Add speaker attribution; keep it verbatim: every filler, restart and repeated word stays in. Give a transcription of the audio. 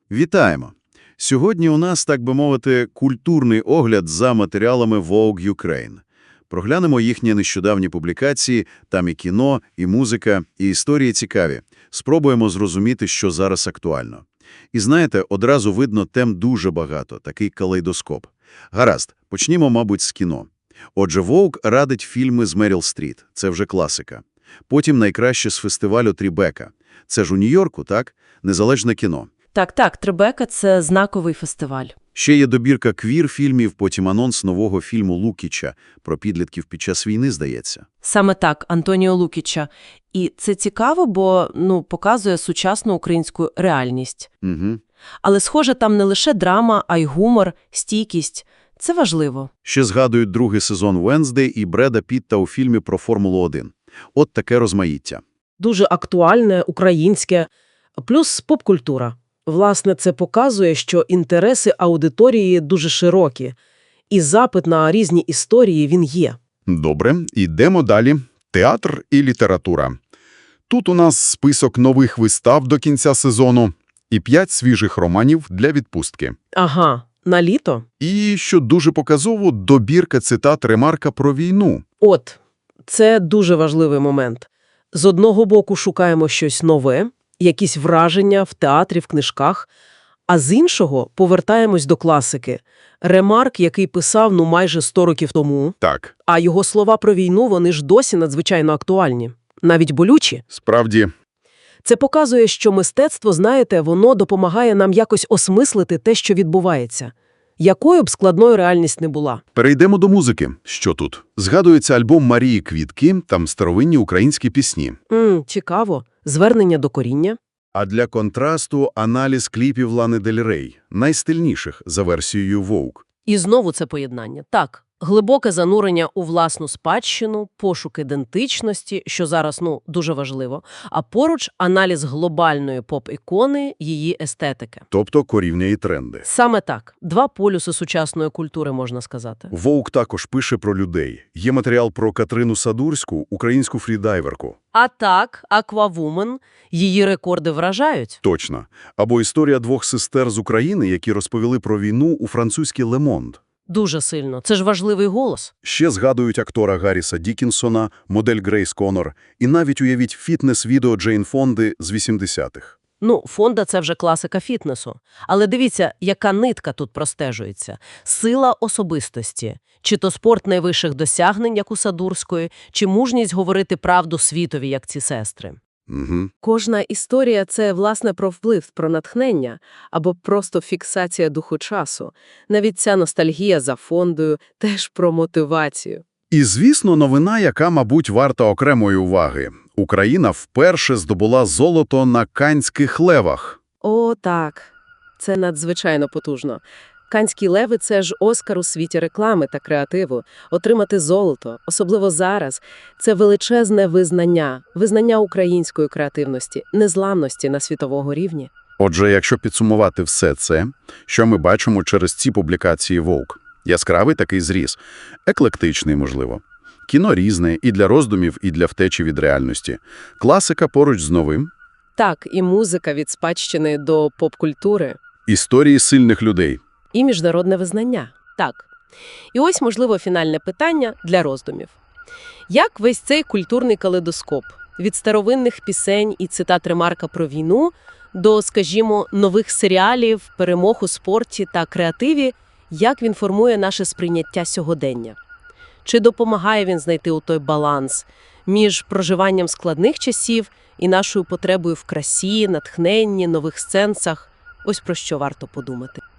Speaker 1: Вітаємо! Сьогодні у нас, так би мовити, культурний огляд за матеріалами Vogue Ukraine. Проглянемо їхні нещодавні публікації, там і кіно, і музика, і історії цікаві. Спробуємо зрозуміти, що зараз актуально. І знаєте, одразу видно, тем дуже багато, такий калейдоскоп. Гаразд, почнімо, мабуть, з кіно. Отже, Vogue радить фільми з Меріл Стріт, це вже класика. Потім найкраще з фестивалю Трібека. Це ж у Нью-Йорку, так? Незалежне кіно.
Speaker 2: Так-так, Трибека – це знаковий фестиваль.
Speaker 1: Ще є добірка квір-фільмів, потім анонс нового фільму Лукіча про підлітків під час війни, здається.
Speaker 2: Саме так, Антоніо Лукіча. І це цікаво, бо ну, показує сучасну українську реальність.
Speaker 1: Угу.
Speaker 2: Але, схоже, там не лише драма, а й гумор, стійкість. Це важливо.
Speaker 1: Ще згадують другий сезон «Венздей» і Бреда Пітта у фільмі про Формулу один. От таке розмаїття.
Speaker 3: Дуже актуальне, українське, плюс поп-культура. Власне, це показує, що інтереси аудиторії дуже широкі, і запит на різні історії він є.
Speaker 4: Добре, йдемо далі. Театр і література. Тут у нас список нових вистав до кінця сезону і п'ять свіжих романів для відпустки.
Speaker 3: Ага, на літо?
Speaker 4: І, що дуже показово, добірка цитат Ремарка про війну.
Speaker 3: От, це дуже важливий момент. З одного боку шукаємо щось нове, якісь враження в театрі, в книжках, а з іншого повертаємось до класики. Ремарк, який писав, ну, майже сто років тому,
Speaker 4: Так,
Speaker 3: а його слова про війну, вони ж досі надзвичайно актуальні, навіть болючі.
Speaker 4: справді.
Speaker 3: Це показує, що мистецтво, знаєте, воно допомагає нам якось осмислити те, що відбувається. Якою б складною реальність не була.
Speaker 4: Перейдемо до музики. Що тут? Згадується альбом Марії Квітки, там старовинні українські пісні.
Speaker 3: М, цікаво. Звернення до коріння.
Speaker 1: А для контрасту аналіз кліпів Лани Дель Рей, найстильніших за версією Vogue.
Speaker 2: І знову це поєднання. Так, глибоке занурення у власну спадщину, пошук ідентичності, що зараз, ну, дуже важливо, а поруч аналіз глобальної поп-ікони, її естетики.
Speaker 1: Тобто корівня і тренди.
Speaker 2: Саме так. Два полюси сучасної культури, можна сказати.
Speaker 1: Vogue також пише про людей. Є матеріал про Катрину Садурську, українську фрідайверку.
Speaker 2: А так, Аквавумен, її рекорди вражають.
Speaker 1: Точно. Або історія двох сестер з України, які розповіли про війну у французькій «Le Monde».
Speaker 2: Дуже сильно. Це ж важливий голос.
Speaker 1: Ще згадують актора Гарріса Дікінсона, модель Грейс Коннор і навіть, уявіть, фітнес-відео Джейн Фонди з вісімдесятих.
Speaker 2: Ну, Фонда – це вже класика фітнесу. Але дивіться, яка нитка тут простежується. Сила особистості. Чи то спорт найвищих досягнень, як у Садурської, чи мужність говорити правду світові, як ці сестри.
Speaker 1: Угу.
Speaker 5: Кожна історія – це, власне, про вплив, про натхнення або просто фіксація духу часу. Навіть ця ностальгія за Фондою – теж про мотивацію.
Speaker 1: І, звісно, новина, яка, мабуть, варта окремої уваги. Україна вперше здобула золото на Каннських левах.
Speaker 5: О, так. Це надзвичайно потужно. Каннські леви – це ж Оскар у світі реклами та креативу. Отримати золото, особливо зараз, це величезне визнання, визнання української креативності, незламності на світовому рівні.
Speaker 1: Отже, якщо підсумувати все це, що ми бачимо через ці публікації Vogue? Яскравий такий зріз. Еклектичний, можливо. Кіно різне і для роздумів, і для втечі від реальності. Класика поруч з новим.
Speaker 5: Так, і музика від спадщини до поп-культури.
Speaker 1: Історії сильних людей.
Speaker 5: І міжнародне визнання.
Speaker 2: Так. І ось, можливо, фінальне питання для роздумів. Як весь цей культурний калейдоскоп від старовинних пісень і цитат Ремарка про війну до, скажімо, нових серіалів, перемог у спорті та креативі, як він формує наше сприйняття сьогодення? Чи допомагає він знайти у той баланс між проживанням складних часів і нашою потребою в красі, натхненні, нових сенсах? Ось про що варто подумати.